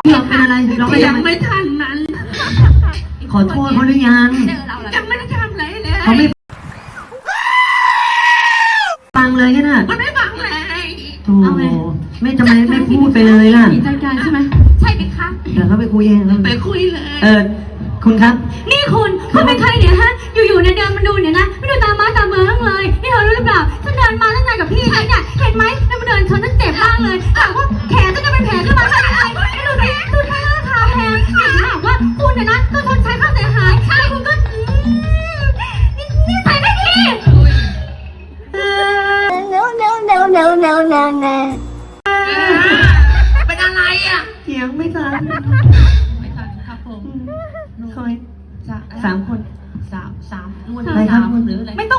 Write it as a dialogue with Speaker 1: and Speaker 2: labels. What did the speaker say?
Speaker 1: ร้องเป็นอะไรร้องอะไร
Speaker 2: ยังไม่ทันนั้น
Speaker 1: ขอโทษเขาหรือยัง
Speaker 2: ยังไม่ได้ทำอะไรเลย
Speaker 1: เขาไม่ฟังเลยกันน่ะ
Speaker 2: มันไม่ฟังเลย
Speaker 1: โธ่ไม่ทำไมไม่พูดไปเลยล่ะ
Speaker 2: มีจัดการใช่ไหมใช่ไหมคะ
Speaker 1: เดี๋ยวเขาไปคุยเอง
Speaker 2: ไปคุยเลย
Speaker 1: คุณครับ
Speaker 3: นี่คุณเป็นใครเนี่ยฮะ อยู่ๆเนี่ยเดินมาดูเนี่ยนะ ไม่ดูตามม้าตามเมืองเลย นี่เธอรู้หรือเปล่าฉันเดินมาตั้งนานกับพี่ฉันเนี่ย เห็นไหมแล้วมาเดินชนฉันเจ็บมากเลยถามว่าแขนฉันจะเป็นแผลขึ้นมาได้ยังไงไม่ดูสิดูท่าทางแพงเห็นถามว่าคุณเนี่ยนะต้องชดใช้ค่าเสียหายแล้วคุณก็นี่ใส่ไม่ดี
Speaker 2: เป็นอะไรอ่ะ
Speaker 1: เถียงไม่ทัน
Speaker 2: ไม่ทันครับผม
Speaker 1: คอย3 คน
Speaker 2: สามนวล
Speaker 1: อะไรครับ
Speaker 2: หรืออะไร
Speaker 3: ไม่